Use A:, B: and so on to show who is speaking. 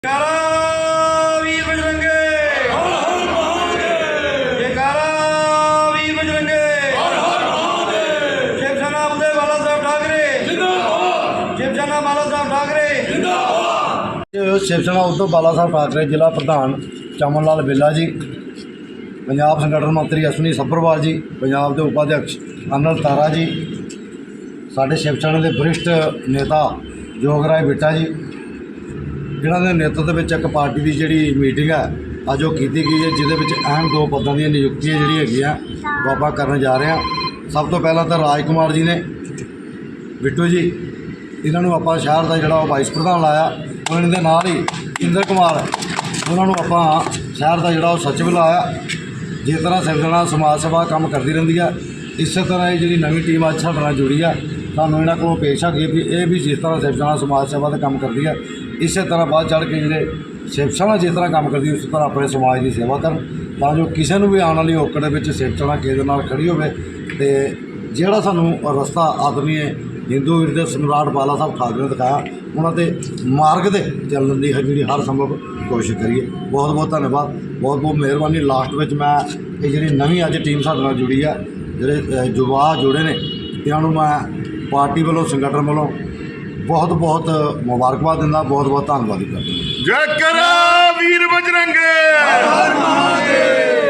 A: वीर बजरंगे जयकारा वीर बजरंगे शिवसेना उदय बाला साहब ठाकरे शिवसेना बाला साहब ठाकरे
B: शिवसेना उद्धव बाला साहब ठाकरे जिला प्रधान चमन लाल बेला जी, पंजाब संगठन मंत्री अश्विनी सब्बरवाल जी, पंजाब के उपाध्यक्ष अनिल तारा जी, साढ़े शिवसेना के वरिष्ठ नेता जोगराज बिट्टा जी, जिन्हों के नेतृत्व में एक पार्टी की जी मीटिंग है अज वो की गई है, जिद अहम दो पदों की नियुक्तियाँ जी बाबा करने जा रहे हैं। सब तो पहला तो राज कुमार जी ने बिट्टू जी, इन्हों आप शहर का जोड़ा वाइस प्रधान लाया, उन्होंने नाल ही इंद्र कुमार उन्होंने आप शहर का जोड़ा सचिव लाया। जिस तरह शिवसेना समाज सेवा काम करती रही है, इस तरह ये जी नवी टीम अज साढ़े जुड़ी है, सानू इन्हों को पेशा की भी ये भी जिस तरह शिवसेना समाज सेवा का काम करती है, इस तरह बाद चढ़ के जो शिवसेना जिस तरह काम करती है उस तरह अपने समाज की सेवा कर, तो जो किसी भी आने वाली औकड़ में शिवसेना किसी नाल खड़ी हो, जोड़ा सानू रस्ता आदरणीय हिंदू वीर सम्राट बाला साहब ठाकरे ने दिखाया, उन्होंने मार्ग से चलने की जी हर संभव कोशिश करिए। बहुत बहुत धन्यवाद, बहुत बहुत मेहरबानी। लास्ट में मैं ये जी नवी अज टीम साढ़े नाल जुड़ी है, जोड़े युवा जुड़े ने, इन्हों मैं पार्टी वालों संगठन वालों बहुत बहुत मुबारकबाद दिंदा, बहुत बहुत धन्यवाद करता।
A: जयकारा वीर बजरंगे।